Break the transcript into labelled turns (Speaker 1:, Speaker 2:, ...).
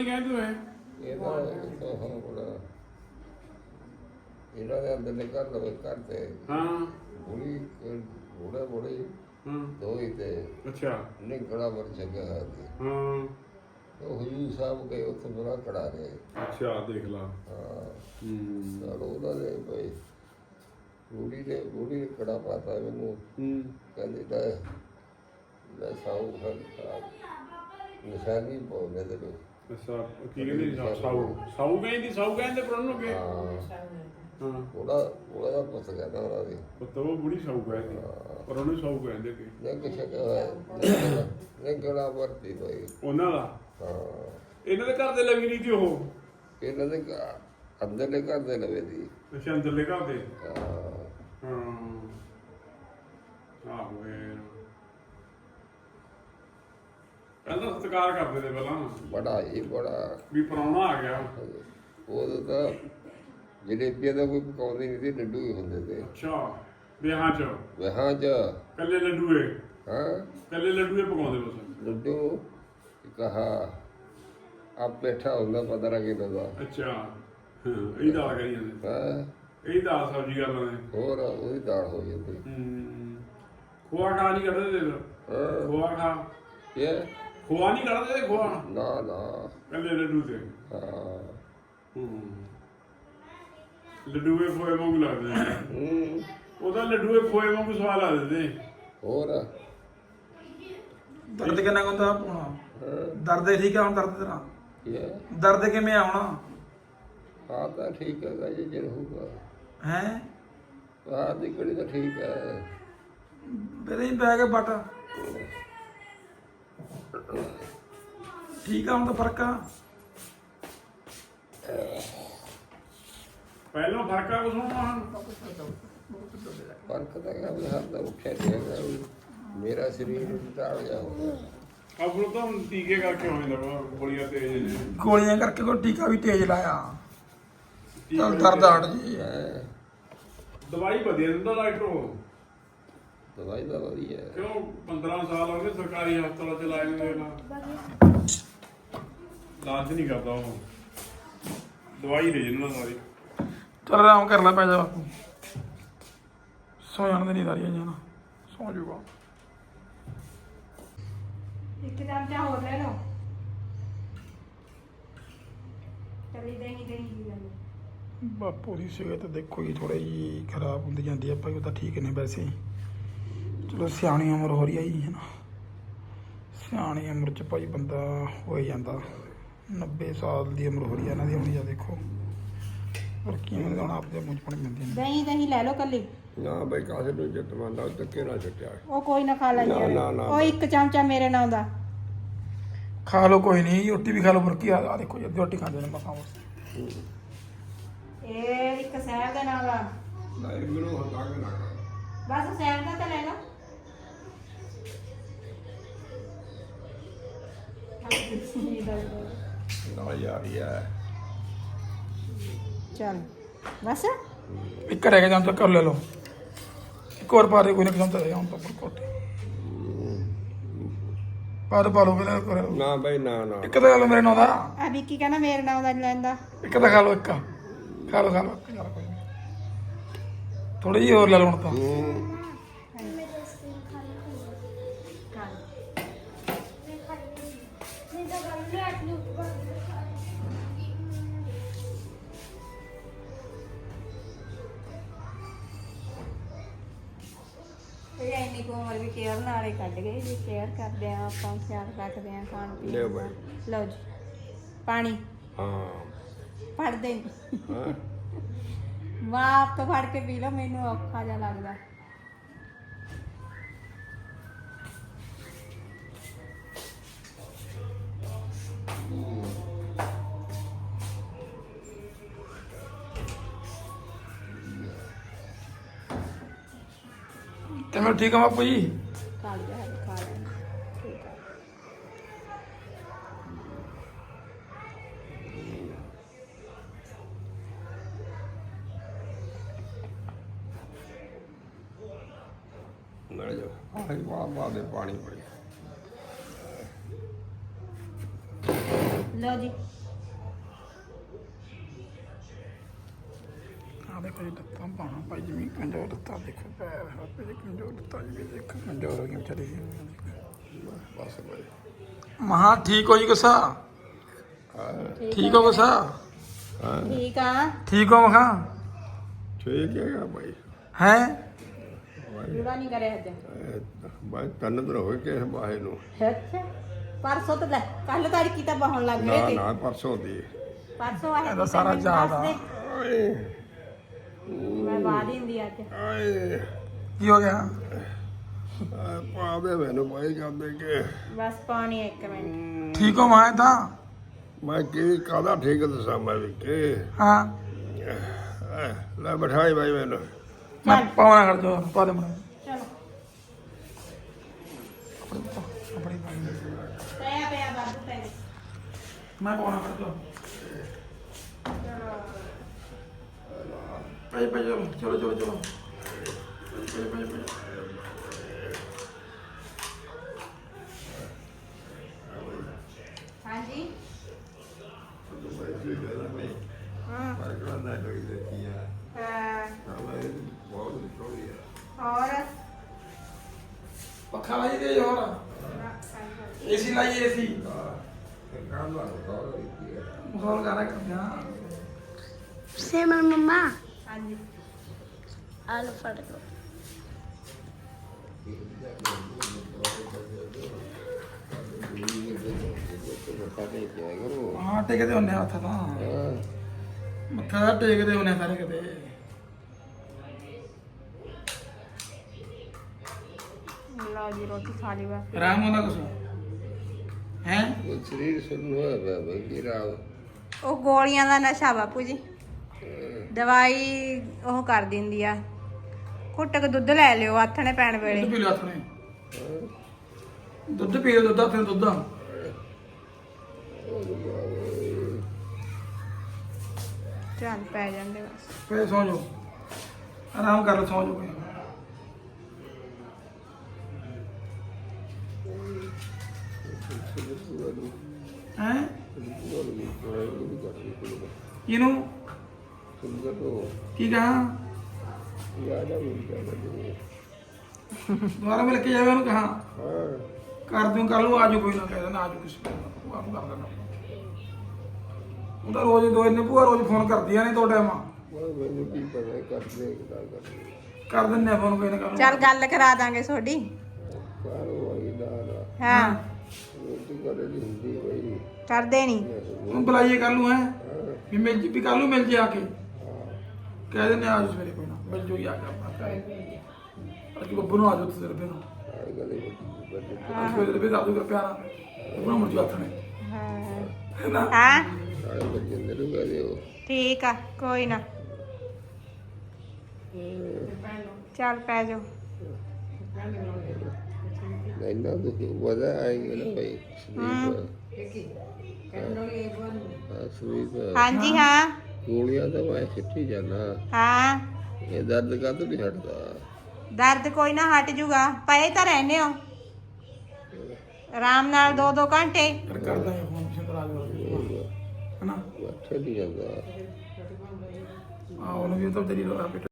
Speaker 1: ਇਹਨਾਂ ਦੇ ਅੰਦਰ ਨਿਕਲ ਲਵੇ ਘਰ ਤੇ ਬੁੜੀ ਬੁੜਾ ਬੁੜੀ ਦੋ ਹੀ ਤੇ ਨਿਕਲਾ ਵਰ ਜਗ੍ਹਾ ਹੈ ਉਹ ਹਜੂਰ ਸਾਹਿਬ ਗਏ ਉੱਥੇ ਬੜਾ ਕੜਾ ਰਿਹਾ
Speaker 2: ਦੇਖ ਲਾ
Speaker 1: ਚਲੋ ਉਹਨਾਂ ਦੇ ਭਾਈ ਬੁੜੀ ਨੇ ਕੜਾ ਪਾਤਾ ਮੈਨੂੰ ਕਹਿੰਦੀ ਤਾਂ ਮੈਂ ਸਾਊ ਨਿਸ਼ਾਨੀ ਪਾਉਂਦੇ ਤੇ
Speaker 2: ਕੀ ਕਹਿੰਦੀ ਸਾਊ ਕਹਿੰਦੇ ਪਰ ਉਹਨੂੰ ਕੀ
Speaker 1: ਉਹਦਾ ਦਾ ਪੁੱਤ ਕਹਿੰਦਾ ਉਹਨਾਂ ਦੀ
Speaker 2: ਪੁੱਤ ਉਹ ਬੁੜੀ ਸਾਊ ਕਹਿੰਦੀ ਪਰ ਉਹਨੂੰ ਸਾਊ ਕਹਿੰਦੇ ਕਿ
Speaker 1: ਨਹੀਂ ਕੜਾ ਵਰਤੀ ਭਾਈ
Speaker 2: ਉਹਨਾਂ ਦਾ ਇਹਨਾਂ ਦੇ ਘਰ ਦੇ ਲੱਗੀ ਨਹੀਂ ਸੀ ਉਹ
Speaker 1: ਇਹਨਾਂ ਦੇ ਅੰਦਰਲੇ ਘਰ ਦੇ ਲਵੇ ਦੀ
Speaker 2: ਅੰਦਰਲੇ ਘਰ ਦੇ ਆਹੋ ਪਹਿਲਾਂ ਸਤਿਕਾਰ ਕਰਦੇ ਨੇ ਪਹਿਲਾਂ
Speaker 1: ਬੜਾ
Speaker 2: ਵੀ ਪ੍ਰਾਹੁਣਾ ਆ ਗਿਆ
Speaker 1: ਉਦੋਂ ਤਾਂ ਜਲੇਬੀਆਂ ਦਾ ਕੋਈ ਪਕਾਉਂਦੇ ਨਹੀਂ ਸੀ ਲੱਡੂ ਹੀ ਹੁੰਦੇ ਤੇ
Speaker 2: ਵਿਆਹਾਂ ਚ ਕੱਲੇ ਲੱਡੂਏ ਕੱਲੇ ਲੱਡੂਏ ਪਕਾਉਂਦੇ ਬਸ
Speaker 1: ਲੱਡੂ ਕਹਾ ਆਪ ਬੈਠਾ ਹੁੰਦਾ 15 ਕਿਲੋ ਦਾ
Speaker 2: ਇਹ ਦਾਲ ਕਰੀ ਜਾਂਦੇ ਇਹ ਦਾਲ ਸਬਜ਼ੀ ਕਰ ਲੈਂਦੇ
Speaker 1: ਹੋਰ ਉਹਦੀ ਦਾਲ ਹੋ ਜਾਂਦੀ
Speaker 2: ਖੋਆ ਖਾ ਨਹੀਂ ਕਰਦੇ ਤੇ ਖੋਆ ਖਾ ਖੋਆ ਨਹੀਂ ਕਰਦੇ ਤੇ ਖੋਆ
Speaker 1: ਨਾ
Speaker 2: ਕੱਲੇ ਲੱਡੂ ਤੇ ਲੱਡੂਏ ਖੋਏ ਵਾਂਗੂ ਲੱਗਦੇ ਉਹਦਾ ਲੱਡੂਏ ਖੋਏ ਵਾਂਗੂ ਸਵਾਦ ਲੱਗਦੇ ਤੇ
Speaker 1: ਹੋਰ
Speaker 3: ਦਰਦ ਕਿੰਨਾ ਹੁੰਦਾ ਪਾਉਣਾ ਦਰਦ ਠੀਕ ਆ ਹੁਣ ਦਰਦ ਤੇਰਾ ਦਰਦ ਕਿਵੇਂ ਆਉਣਾ
Speaker 1: ਹਾਂ ਤਾਂ ਠੀਕ ਹੈਗਾ ਜੇ ਜੇ ਹੋਊਗਾ
Speaker 3: ਹੈ
Speaker 1: ਬਾਹਰ ਦੀ ਕੜੀ ਤਾਂ ਠੀਕ ਹੈ
Speaker 3: ਮੇਰੇ ਹੀ ਪੈ ਕੇ ਬਟ ਠੀਕ ਆ ਹੁਣ ਤਾਂ ਫਰਕ ਆ
Speaker 2: ਪਹਿਲਾਂ ਫਰਕ ਆ ਕੁਛ ਹੁਣ
Speaker 1: ਫਰਕ ਤਾਂ ਹੈਗਾ ਵੀ ਹਰ ਦਾ ਉੱਠਿਆ ਨਹੀਂ ਹੈਗਾ ਮੇਰਾ ਸਰੀਰ ਟਾੜ ਜਾ ਹੋ ਗਿਆ
Speaker 2: ਆਪਣੋ ਤਾਂ ਟੀਕੇ ਕਰਕੇ ਹੋ ਜਾਂਦਾ ਗੋਲੀਆਂ ਤੇਜ਼ ਨੇ
Speaker 3: ਗੋਲੀਆਂ ਕਰਕੇ ਕੋਈ ਟੀਕਾ ਵੀ ਤੇਜ਼ ਲਾਇਆ ਚੱਲ ਦਰਦ ਹਟ ਜੀ
Speaker 2: ਦਵਾਈ ਵਧੀਆ ਦਿੰਦਾ ਡਾਕਟਰ ਉਹ
Speaker 1: ਦਵਾਈ ਦਾ ਵਧੀਆ
Speaker 2: ਕਿਉਂ 15 ਸਾਲ ਹੋ ਗਏ ਸਰਕਾਰੀ ਹਸਪਤਾਲਾਂ ਚ ਲਾਏ ਨੇ ਇਲਾਜ ਨਹੀਂ ਕਰਦਾ ਉਹ ਦਵਾਈ ਦੇ ਜਿੰਨਾ ਸਾਰੀ
Speaker 3: ਚੱਲ ਆਰਾਮ ਕਰ ਲੈ ਪੈ ਜਾ ਬਾਪੂ ਸੌ ਜਾਣ ਦੇ ਨਹੀਂ ਸਾਰੀਆਂ ਜਾਣਾ ਸੌ ਜੂਗਾ
Speaker 4: ਇੱਕ ਚਮਚਾ ਹੋਰ ਲੈ ਲਓ ਚਲੀ ਦੇਣੀ
Speaker 3: ਬਾਪੂ ਦੀ ਸਿਹਤ ਦੇਖੋ ਜੀ ਥੋੜੀ ਜਿਹੀ ਖਰਾਬ ਹੁੰਦੀ ਜਾਂਦੀ ਆ ਭਾਈ ਉਹ ਤਾਂ ਠੀਕ ਨੇ ਵੈਸੇ ਚਲੋ ਸਿਆਣੀ ਉਮਰ ਹੋ ਰਹੀ ਆ ਜੀ ਹੈ ਨਾ ਸਿਆਣੀ ਉਮਰ 'ਚ ਭਾਈ ਬੰਦਾ ਹੋ ਹੀ ਜਾਂਦਾ 90 ਸਾਲ ਦੀ ਉਮਰ ਹੋ ਰਹੀ ਆ ਇਹਨਾਂ ਦੀ ਹੁਣ ਜਾਂ ਦੇਖੋ ਪਰ ਕਿਵੇਂ ਹੁਣ ਆਪਦੇ ਮੂੰਹ 'ਚ ਪਾਣੀ ਪੈਂਦੇ ਨੇ
Speaker 4: ਦਹੀਂ ਲੈ ਲਓ ਕੱਲੀ
Speaker 1: ਨਾ ਬਈ ਕਾਸੇ ਨੂੰ ਜੱਟ ਮੰਨਦਾ ਧੱਕੇ ਨਾਲ ਛੱਟਿਆ
Speaker 4: ਉਹ ਕੋਈ ਨਾ ਖਾ ਲੈਂਦੇ ਉਹ ਇੱਕ ਚਮਚਾ ਮੇਰੇ ਨਾਲ ਦਾ
Speaker 3: ਖਾ ਲਓ ਕੋਈ ਨਹੀਂ ਰੋਟੀ ਵੀ ਖਾ ਲਓ ਫਿਰ ਕੀ ਆ ਦੇਖੋ ਜੀ ਰੋਟੀ ਖਾਂਦੇ ਨੇ ਮਸਾਂ
Speaker 4: ਇਹ ਇੱਕ ਸਹਿਬ ਦੇ ਨਾਲ ਦਾ
Speaker 1: ਨਹੀਂ ਮੈਨੂੰ ਹੱਥਾਂ ਕੇ ਨਾ
Speaker 4: ਬਸ ਸਹਿਬ ਦਾ ਤਾਂ ਲੈ ਲਓ
Speaker 1: ਨਾ ਯਾਰ
Speaker 4: ਚੱਲ ਬਸ
Speaker 3: ਇੱਕ ਰਹਿ ਗਿਆ ਜਾਂ ਤਾਂ ਕਰ ਲੈ ਲਓ ਇੱਕ ਹੋਰ ਪਾ ਦੇ ਕੋਈ ਨਾ ਕਿਸਮ ਤਾਂ ਹੁਣ ਤਾਂ ਪਰ ਕੋਟੇ ਪਾ ਲਓ ਫਿਰ ਕਰ
Speaker 1: ਨਾ ਬਈ ਨਾ
Speaker 3: ਇੱਕ ਤਾਂ ਖਾ ਲਓ ਮੇਰੇ ਨਾਲ ਦਾ
Speaker 4: ਆ ਵਿੱਕੀ ਕਹਿੰਦਾ ਮੇਰੇ ਨਾਲ ਦਾ ਨਹੀਂ ਲੈਂਦਾ
Speaker 3: ਇੱਕ ਤਾਂ ਖਾ ਲਓ ਇੱਕ ਖਾ ਲਓ ਥੋੜੀ ਜਿਹੀ ਹੋਰ ਲੈ ਲਓ ਹੁਣ ਤਾਂ
Speaker 4: ਇਹ ਇੰਨੀ ਕੁ ਉਮਰ ਵੀ ਕੇਅਰ ਨਾਲ ਹੀ ਕੱਢ ਗਏ ਜੀ ਕੇਅਰ ਕਰਦੇ ਆ ਆਪਾਂ ਖਿਆਲ ਰੱਖਦੇ ਆ ਖਾਣ ਪੀਣ
Speaker 1: ਲਿਓ
Speaker 4: ਦਾ
Speaker 1: ਬਾਈ।
Speaker 4: ਲਓ ਜੀ ਪਾਣੀ
Speaker 1: ਹਾਂ
Speaker 4: ਫੜਦੇ ਮਾਂ ਆਪ ਤੋਂ ਫੜ ਕੇ ਪੀ ਲਓ ਮੈਨੂੰ ਔਖਾ ਜਿਹਾ ਲੱਗਦਾ
Speaker 3: ਤੇ ਮੈਂ ਠੀਕ ਆ ਬਾਪੂ ਜੀ
Speaker 4: ਖਾ ਲਿਆ ਠੀਕ ਆ
Speaker 1: ਲੈ ਜਾਓ ਆਹ ਵਾਹ ਦੇ ਪਾਣੀ ਪੜੀ
Speaker 4: ਲਓ ਜੀ
Speaker 3: ਆ ਦੇਖੋ ਜੀ ਲੱਤਾਂ ਪਾਣਾ ਭਾਈ ਜਿਵੇਂ ਕਮਜ਼ੋਰ ਲੱਤਾਂ ਦੇਖੋ ਪੈਰ ਹੱਥ ਦੇ ਕਮਜ਼ੋਰ ਲੱਤਾਂ ਜਿਵੇਂ ਦੇਖੋ ਕਮਜ਼ੋਰ ਹੋ ਗਈਆਂ ਵਿਚਾਰੀ
Speaker 1: ਬਸ ਭਾਈ
Speaker 3: ਮਹਾ ਠੀਕ ਹੋ ਜੀ ਗੁੱਸਾ ਠੀਕ ਹੋ ਗੁੱਸਾ
Speaker 4: ਠੀਕ ਆ
Speaker 3: ਠੀਕ ਹੋ ਮਖਾ
Speaker 1: ਠੀਕ ਹੈਗਾ ਭਾਈ
Speaker 3: ਹੈ
Speaker 4: ਜੁੜਾ ਨਹੀਂ ਕਰਿਆ ਅੱਜ
Speaker 1: ਮੈਂ 3 ਦਿਨ ਹੋਏ ਕਿ ਬਾਹੇ ਨੂੰ
Speaker 4: ਅੱਛਾ ਪਰਸੋਂ ਤਾਂ ਲੈ ਕੱਲ ਤੜਕੀ ਤਾਂ ਬਹਣ ਲੱਗ
Speaker 1: ਨਾ
Speaker 4: ਗਏ ਤੇ
Speaker 1: ਨਾ ਪਰਸੋਂ ਦੀ
Speaker 4: ਪਰਸੋਂ ਆਇਆ
Speaker 3: ਇਹਦਾ ਸਾਰਾ ਯਾਦ ਆ
Speaker 1: ਓਏ
Speaker 4: ਮੈਂ ਬਾਹਰ ਹੀ ਹੁੰਦੀ ਅੱਜ
Speaker 1: ਓਏ
Speaker 3: ਕੀ ਹੋ ਗਿਆ
Speaker 1: ਪਾਵੇ ਮੈਨੂੰ ਭਾਈ ਕਰਦੇ ਕਿ
Speaker 4: ਬਸ ਪਾਣੀ 1 ਮਿੰਟ
Speaker 3: ਠੀਕ ਹੋ ਮੈਂ ਤਾਂ
Speaker 1: ਮੈਂ ਕੀ ਕਾਹਦਾ ਠੀਕ ਦੱਸਾਂ ਮੈਂ ਵੀ ਕਿ
Speaker 3: ਹਾਂ
Speaker 1: ਲੈ ਬਿਠਾਈ ਭਾਈ ਮੈਨੂੰ
Speaker 3: ਮੈਂ ਪਾਉਣਾ ਕਰ ਦੋ ਪਾ ਦੇ ਮਣਾ
Speaker 4: ਚਲੋ
Speaker 3: ਆਪਣੀ
Speaker 4: ਪਿਆ ਪਿਆ ਬਾਬੂ ਪੈ
Speaker 3: ਮੈਂ ਪਾਉਣਾ ਕਰ ਦੋ ਭਾਈ ਭਾਈ ਚਲੋ ਚਲੋ ਚਲੋ ਭਾਈ ਭਾਈ
Speaker 4: ਹਾਂਜੀ
Speaker 1: ਹਾਂ
Speaker 4: ਔਰ
Speaker 3: ਪੱਖਾ ਲਾਈ ਦੇ ਹੋਰ ਏਸੀ ਲਾਈ ਏਸੀ ਮਾਹੌਲ ਗਾਣਾ ਕਰਦੇ ਹਾਂ
Speaker 5: ਸਿਮਰ ਮੰਮਾ
Speaker 4: ਹਾਂਜੀ
Speaker 5: ਆਲੂ ਫੜ ਲਓ
Speaker 3: ਹਾਂ ਟੇਕਦੇ ਹੁੰਦੇ ਹੱਥ ਤਾਂ ਮੱਥਾ ਤਾਂ ਟੇਕਦੇ ਹੁੰਦੇ ਸਾਰੇ ਕਿਤੇ
Speaker 4: ਲਓ ਜੀ ਰੋਟੀ ਖਾ ਲਈ ਵਾ
Speaker 3: ਆਰਾਮ ਹੁੰਦਾ ਕੁਛ ਹੈ
Speaker 1: ਸਰੀਰ ਸੁਣ ਹੋਇਆ ਪਿਆ ਭਾਈ ਕੀ ਰਾਵ
Speaker 4: ਉਹ ਗੋਲੀਆਂ ਦਾ ਨਸ਼ਾ ਬਾਪੂ ਜੀ ਦਵਾਈ ਉਹ ਕਰ ਦਿੰਦੀ ਆ ਘੁੱਟ ਕੇ ਦੁੱਧ ਲੈ ਲਿਓ ਆਥਣੇ ਪੈਣ ਵੇਲੇ
Speaker 3: ਦੁੱਧ ਪੀ ਲਿਆ ਥਣੇ ਦੁੱਧ ਪੀ ਲਿਓ ਦੁੱਧ ਫਿਰ ਦੁੱਧ
Speaker 4: ਚੱਲ ਪੈ ਜਾਂਦੇ ਬਸ
Speaker 3: ਫੇਰ ਸੌਂ ਜਾਓ ਆਰਾਮ ਕਰ ਲਓ ਸੌਂ ਜਾਓ ਹੈ ਇਹਨੂੰ ਕੀ ਕਹਾਂ ਦੁਬਾਰਾ ਮਿਲ ਕੇ ਜਾਵੇ ਉਹਨੂੰ ਕਹਾਂ ਕਰ ਦੂੰ ਕਰ ਲੂ ਆਜੋ ਕੋਈ ਨਾ ਕਹਿ ਦੇਣਾ ਆਜੋ ਕਿਸੇ ਨੂੰ ਆਪ ਕਰ ਦੇਣਾ ਉਹ ਤਾਂ ਰੋਜ਼ ਦੋ ਇੰਨੇ ਭੂਆ ਰੋਜ਼ ਫੋਨ ਕਰਦੀਆਂ ਨੇ ਦੋ ਟਾਈਮਾਂ
Speaker 1: ਮੈਨੂੰ ਕੀ ਪਤਾ ਕਰਦੇ ਕਿਦਾਂ ਕਰਦੇ
Speaker 3: ਕਰ ਦਿੰਨੇ ਫੋਨ ਕੋਈ ਨਾ ਕਰ
Speaker 4: ਚੱਲ ਗੱਲ ਕਰਾ ਦਾਂਗੇ ਤੁਹਾਡੀ
Speaker 1: ਕਾਰਵਾਈ ਦਾ
Speaker 4: ਹਾਂ
Speaker 1: ਰੋਟੀ ਕਰੇ ਦੀ ਹੁੰਦੀ ਭਾਈ
Speaker 4: ਕਰਦੇ ਨਹੀਂ
Speaker 3: ਉਹਨੂੰ ਬੁਲਾਈਏ ਕਰ ਲੂ ਹੈ ਵੀ ਮਿਲ ਜੀ ਵੀ ਕਰ ਲੂ ਮਿਲ ਜੇ ਆ ਕੇ ਕਹਿ ਦਿੰਨੇ ਆਜੋ ਸਵੇਰੇ ਕੋਈ ਨਾ ਮਿਲ ਜੋ ਆ ਕੇ ਆਪਣਾ ਅੱਜ ਬੱਬੂ ਨੂੰ ਆਜੋ ਤੁਸੀਂ ਰੁਪਏ ਨੂੰ
Speaker 1: ਆਹ ਗੱਲ ਹੀ
Speaker 3: ਅੱਜ ਕੋਈ ਰੁਪਏ ਦਾਦੂ ਕਰ ਪਿਆਰਾ ਉਹਨਾਂ ਮੁਰਜੀ ਹੱਥ ਨੇ
Speaker 4: ਹਾਂ
Speaker 3: ਨਾ
Speaker 4: ਹਾਂ
Speaker 1: ਸਾਰੇ ਬੱਚੇ ਨੂੰ ਕਹਦੇ ਹੋ
Speaker 4: ਠੀਕ ਆ ਕੋਈ ਨਾ ਚੱਲ ਪੈ ਜਾਓ
Speaker 1: ਇੰਨਾ ਦੁੱਖ ਵਦਾ ਆਏਗਾ ਨਾ ਭਾਈ ਸਰੀਰ
Speaker 4: ਹਾਂਜੀ ਹਾਂ
Speaker 1: ਗੋਲੀਆਂ ਤਾਂ ਮੈਂ ਸਿੱਟੀ ਜਾਣਾ
Speaker 4: ਹਾਂ
Speaker 1: ਇਹ ਦਰਦ ਕਾਹਤੋਂ ਨਹੀਂ ਹਟਦਾ
Speaker 4: ਦਰਦ ਕੋਈ ਨਾ ਹਟ ਜੂਗਾ ਪਏ ਤਾਂ ਰਹਿੰਦੇ ਹੋ ਆਰਾਮ ਨਾਲ 2-2 ਘੰਟੇ
Speaker 3: ਕਰਦਾ ਹੈ ਫੋਨ ਪਿੱਛੇ ਤਰਾ ਜੋ ਹਨਾ
Speaker 1: ਅੱਛਾ ਨਹੀਂ ਜਾਂਦਾ
Speaker 3: ਆ ਉਹਨੂੰ ਵੀ ਤਾਂ ਤੇਰੀ